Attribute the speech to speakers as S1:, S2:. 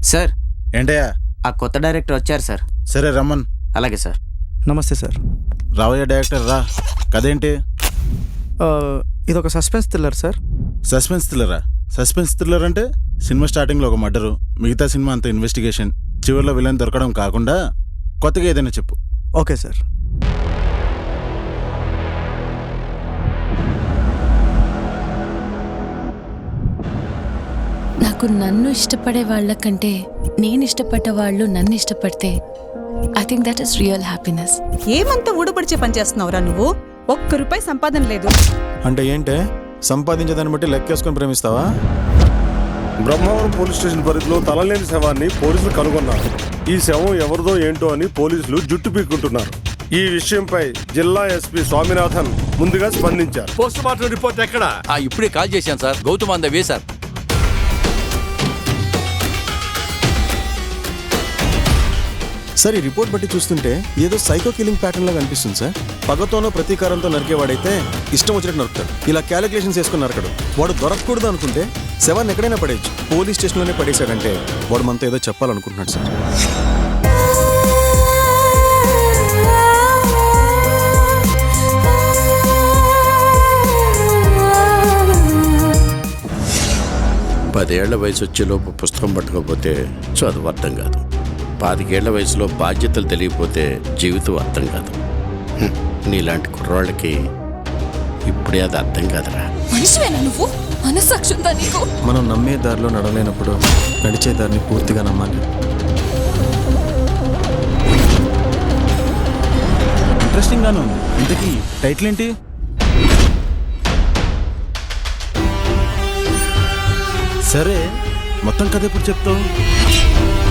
S1: Sir
S2: ఏంటయ్యా?
S1: ఆ కొత్త డైరెక్టర్ వచ్చారు సార్.
S2: సరే రమ్మన్.
S1: అలాగే సార్.
S3: నమస్తే సార్.
S2: రావయ్య డైరెక్టర్ రా. కదేంటి?
S3: ఇదొక సస్పెన్స్ థ్రిల్లర్ సార్.
S2: సస్పెన్స్ థ్రిల్లరా? సస్పెన్స్ థ్రిల్లర్ అంటే సినిమా స్టార్టింగ్లో ఒక మర్డరు, మిగతా సినిమా అంతా ఇన్వెస్టిగేషన్, చివరిలో విలన్ దొరకడం కాకుండా కొత్తగా ఏదైనా చెప్పు.
S3: Okay sir.
S4: నాకు నన్ను ఇష్టపడే వాళ్ళకంటే నేను ఇష్టపడ్డ వాళ్ళు నన్ను ఇష్టపడితే I think that is real happiness.
S5: ఏమంత ఊడబడిచే పని చేస్తున్నావురా నువ్వు? ఒక్క రూపాయి సంపాదన లేదు.
S6: అంటే ఏంటే, సంపాదించేదాన్ని బట్టి లెక్కేసుకొని ప్రేమిస్తావా?
S7: బ్రహ్మవరం పోలీస్ స్టేషన్ పరిధిలో తలలేని శవాన్ని పోలీసులు కనుగొన్నారు. ఈ శవం ఎవరిదో ఏంటో అని పోలీసులు జుట్టు పీక్కుంటున్నారు. ఈ విషయంపై జిల్లా ఎస్పీ స్వామినాథన్ ముందుగా స్పందించారు.
S8: పోస్ట్ మార్టం రిపోర్ట్ ఎక్కడ?
S9: ఇప్పుడే కాల్ చేశాను sir. Gautam on the way sir.
S6: Sir, ఈ రిపోర్ట్ బట్టి చూస్తుంటే ఏదో సైకో కిల్లింగ్ ప్యాటర్న్ లాగా అనిపిస్తుంది సార్. పగతోనో ప్రతీకారంతో నరికేవాడైతే ఇష్టం వచ్చినట్టు నరుకుతాడు. ఇలా క్యాలిక్యులేషన్స్ వేసుకుని నరకడు. వాడు దొరకకూడదు అనుకుంటే శవాన్ని ఎక్కడైనా పడేయచ్చు. పోలీస్ స్టేషన్లోనే పడేశాడంటే వాడు మనతో ఏదో చెప్పాలనుకుంటున్నాడు సార్.
S8: పదేళ్ల వయసు వచ్చేలోపు పుస్తకం పట్టుకోకపోతే చదువు అర్థం కాదు. 25 ఏళ్ల వయసులో బాధ్యతలు తెలియకపోతే జీవితం అర్థం కాదు. నీలాంటి కుర్రాళ్ళకి ఇప్పుడే అది అర్థం కాదురా.
S4: మనిషివేనా నువ్వు? మనస్సాక్షి ఉందా నీకు?
S6: మనం నమ్మే దారిలో నడవలేనప్పుడు నడిచే దారిని పూర్తిగా నమ్మాలి.
S2: ఇంట్రెస్టింగ్ గానే ఉంది. ఇంతకీ టైటిల్ ఏంటి? సరే, మొత్తం కథ ఎప్పుడు చెప్తావు?